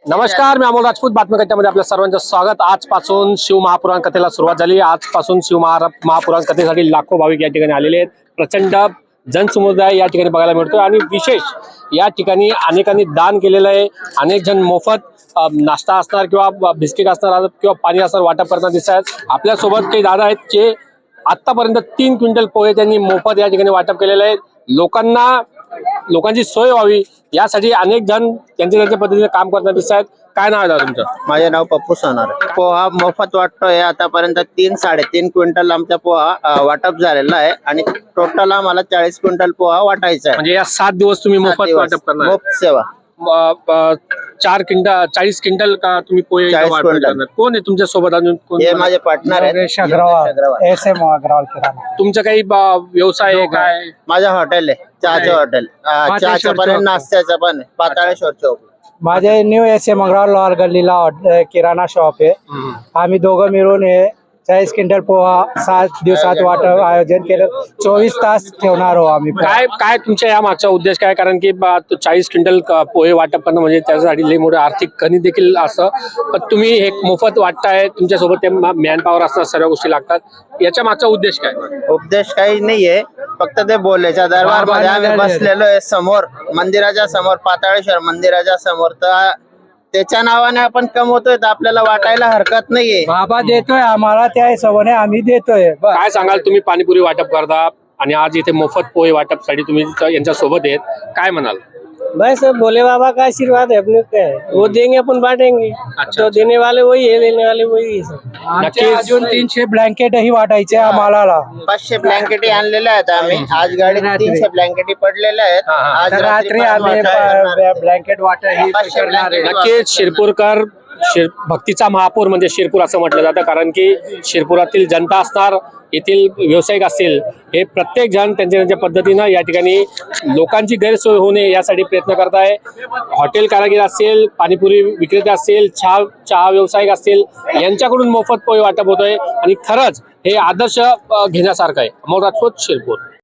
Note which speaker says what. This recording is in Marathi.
Speaker 1: नमस्कार, मी अमोल राजपूत. बातमीकथेमध्ये आपल्या सर्वांचं स्वागत. आजपासून शिवमहापुराण कथेला सुरुवात झाली. आजपासून शिवमहापुराण कथेसाठी लाखो भाविक या ठिकाणी आलेले आहेत. प्रचंड जनसमुदाय या ठिकाणी बघायला मिळतोय आणि विशेष या ठिकाणी अनेकांनी दान केलेलं आहे. अनेक जण मोफत नाश्ता असणार किंवा बिस्किट असणार किंवा पाणी असणार वाटप करताना दिसत आहेत. आपल्यासोबत काही दादा आहेत जे आतापर्यंत 3 क्विंटल पोहे त्यांनी मोफत या ठिकाणी वाटप केलेले आहेत. लोकांची सोय व्हावी यासाठी अनेक जण त्यांच्या पद्धतीने काम करताना दिसत आहेत. काय नाव आहे दादा तुमचं?
Speaker 2: माझे नाव पप्पू सोनार. पोहा मोफत वाटतोय. आतापर्यंत 3-3.5 क्विंटल आमचा पोहा वाटप झालेला आहे आणि टोटल आम्हाला 40 क्विंटल पोहा वाटायचा आहे.
Speaker 1: म्हणजे या 7 दिवस तुम्ही मोफत वाटप करणार?
Speaker 2: मोफत सेवा.
Speaker 1: 40 क्विंटल का तुम्ही पोहे
Speaker 2: 40
Speaker 1: वाटप
Speaker 2: क्विंटल.
Speaker 1: करणार? कोण आहे तुमच्या सोबत अजून कोण?
Speaker 2: हे माझे पार्टनर आहेत.
Speaker 3: अग्रवाल किराणा.
Speaker 1: तुमचं काही व्यवसाय आहे काय?
Speaker 2: माझं हॉटेल आहे, चहाचं हॉटेल. चहाचं पण आहे, नाश्त्याचं पण आहे. पाताळेश्वर चौक.
Speaker 3: माझे न्यू SM अग्रवाल लोअर गल्लीला किराणा शॉप आहे. आम्ही दोघं मिळून 40 क्विंटल पोहा 7 दिवसात वाटप आयोजन केलं. 24 तास ठेवणार आहोत आम्ही.
Speaker 1: काय तुमच्या या मागचा उद्देश काय? कारण की 40 क्विंटल पोहे वाटप करणं म्हणजे त्याच्यासाठी लई मोठं आर्थिक कणी देखील असं. पण तुम्ही हे मोफत वाटताय, तुमच्यासोबत ते मॅन पॉवर असतात, सर्व गोष्टी लागतात. याच्या मागचा उद्देश काय?
Speaker 2: उपदेश काही नाहीये, फक्त ते बोलायच्या दरबार मध्ये आम्ही बसलेलो आहे समोर, मंदिराच्या समोर, पाताळेश्वर मंदिराच्या समोर. तर त्याच्या नावाने आपण कमवतोय तर आपल्याला वाटायला हरकत नाहीये.
Speaker 3: बाबा देतोय आम्हाला, त्या हिशोबाने आम्ही देतोय.
Speaker 1: काय सांगाल? तुम्ही पाणीपुरी वाटप करता आणि आज इथे मोफत पोहे वाटपसाठी तुम्ही यांच्या सोबत आहेत, काय म्हणाल?
Speaker 3: बस भोले बाबा का आशीर्वाद है अपने पे, वो देंगे अपन बांटेंगे. तो देने वाले वही है, लेने वाले वही है.
Speaker 1: नक्कीच.
Speaker 3: अजून 300 ब्लँकेट ही वाटायचे आम्हाला.
Speaker 2: 500 ब्लँकेटी आणलेल्या आहेत आम्ही. आज गाडीत 300 ब्लँकेटी पडलेल्या आहेत. आज
Speaker 3: रात्री आम्ही ब्लँकेट वाटा ही
Speaker 2: 500
Speaker 3: करणार आहे.
Speaker 1: नक्कीच शिरपूरकर भक्तीचा महापौर म्हणजे शिरपूर असं म्हटलं जातं. कारण की शिरपुरातील जनता असणार, येथील व्यावसायिक असतील, हे प्रत्येक जण त्यांच्या पद्धतीनं या ठिकाणी लोकांची गैरसोय होऊ नये यासाठी प्रयत्न करत आहे. हॉटेल कारागीर असतील, पाणीपुरी विक्रेते असतील, चहा व्यावसायिक असतील, यांच्याकडून मोफत पोहे वाटप होतोय आणि खरंच हे आदर्श घेण्यासारखं आहे. अमोल राजपूत, शिरपूर.